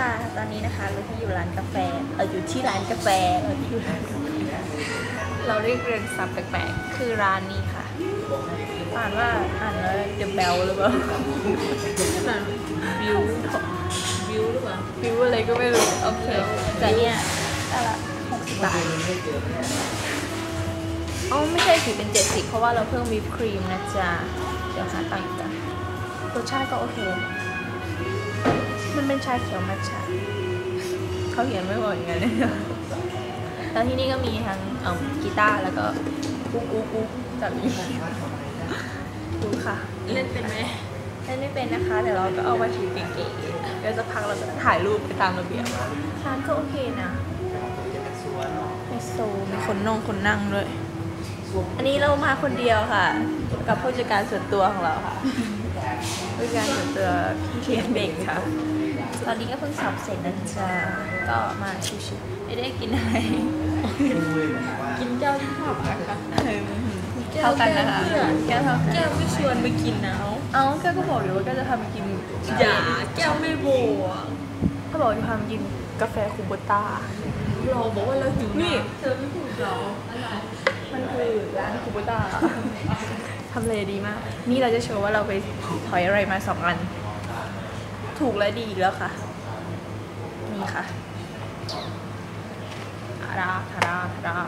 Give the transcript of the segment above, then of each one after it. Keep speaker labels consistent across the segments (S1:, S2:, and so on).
S1: ตอนนี้นะคะเราที่อยู่ร้านกาแฟอยู่ที่ร้านกาแฟเราเรียกเรียงศัพท์แปลกๆคือร้านนี้ค่ะอ่านว่าเดอะเบลหรือเปล่าวิวหรือเปล่าวิวอะไรก็ไม่รู้โอเคแต่เนี่ยแต่ละ60 บาทอ๋อไม่ใช่สิเป็น70เพราะว่าเราเพิ่มวิปครีมนะจ๊ะเดี๋ยวหาตังค์กันรสชาติก็โอเคมันเป็นชาเขียวมัทฉะเขาเขียนไม่บอกอย่างนั้นเลยแล้วที่นี่ก็มีทั้งกีตาร์แล้วก็กุ๊กจับอีดูค่ะเล่นเป็นไหมเล่นไม่เป็นนะคะเดี๋ยวเราก็เอามาถือเก๋ๆเดี๋ยวจะพักเราจะถ่ายรูปไปตามระเบียบร้านก็โอเคนะไฮโซมีคนนั่งด้วยอันนี้เรามาคนเดียวค่ะกับผู้จัดการส่วนตัวของเราค่ะผู้จัดการส่วนตัวพี่เทียนเด็กค่ะตอนนี้ก็เพิ่งสอบเสร็จนะจ๊ะก็มาชิวๆไม่ได้กินอะไรกินเจ้าที่ชอบอะค่ะเท่ากันนะคะแก้วเท่ากันแก้วไม่ชวนไปกินนะเอาแก้วก็บอกอยู่ว่าแก้วจะทำไปกินอย่าแก้วไม่โบอ่ะเขาบอกจะทำกินกาแฟคูโบต้าเราบอกว่าเราหิวนี่เธอไม่ถูกหรอมันคือร้านคูโบต้าทำเลดีมากนี่เราจะโชว์ว่าเราไปถอยอะไรมา2 อันถูกและดีอีกแล้วค่ะนี่ค่ะทารา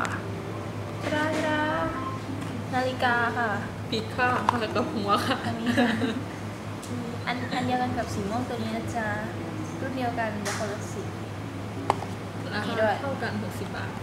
S1: นาฬิกาค่ะปิดค่ะแล้วก็หัวค่ะอันเดียวกันกับสีม่วงตัวนี้นะจ๊ะรุ่นเดียวกันแต่คนละสีนี่ด้วยเท่ากัน60 บาท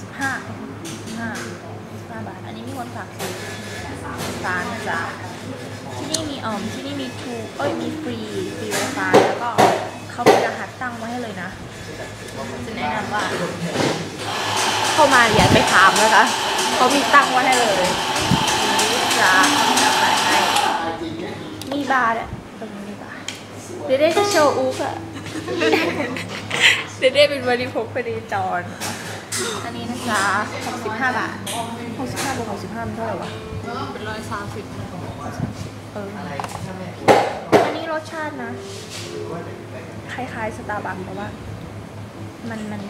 S1: 65 บาทอันนี้มีคนฝากซื้อร้านนะจ๊ะที่นี่มีมีฟรี Wi-Fi แล้วก็เขามีรหัสตั้งไว้ให้เลยนะจะแนะนำว่าเข้ามาอย่าไปถามนะคะเขามีตั้งไว้ให้เลยนี่จ้าจะแปะให้มีบาร์เนี่ยตรงนี้มีบาร์เดเด้จะโชว์อุ๊กอะเดเด้เป็นบริโภคพอดีจอนอันนี้นะจ๊ะ65 บาท65 บวก 65มันเท่าไหร่วะเป็น130อันนี้รสชาตินะคล้ายๆสตาร์บัคแต่ว่ามันแบบ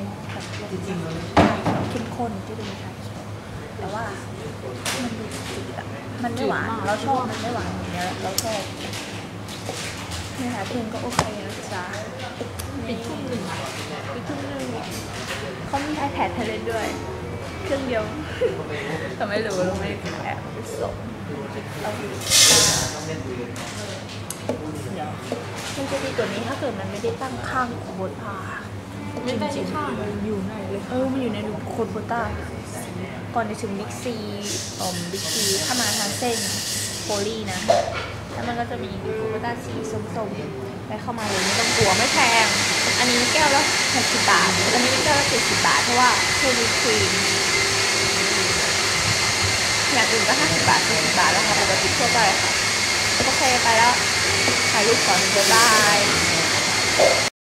S1: เข้มข้นที่เป็นชาเขียวแต่ว่ามันดูจืดอะมันไม่หวานเราชอบมันไม่หวานอย่างเงี้ยเราชอบเนื้อหาเพลงก็โอเคนะจ๊ะปิดทุ่มหนึ่งเขามีiPad ให้เล่นด้วยเครื่องเดียวแต่ไม่รู้เราไม่ได้ขายไปส่งเราดูมันจะดีกว่านี้ถ้าเกิดมันไม่ได้ตั้งข้างบนพาไม่ได้ข้างมันอยู่ไหนเลยมันอยู่ในโคนโบต้าก่อนจะถึงบิ๊กซีถ้ามาทางเส้นโพลีนะแล้วมันก็จะมีโบต้าสีส้มๆไปเข้ามาเลยไม่ต้องกลัวไม่แพงอันนี้แก้วละ60 บาทอันนี้แก้วละ70 บาทเพราะว่าเพิ่มวิปครีมอย่างอื่นก็50 บาท40 บาทแล้วค่ะปกติทั่วไปค่ะโอเคไปแล้วถ่ายรูปก่อนบ๊ายบาย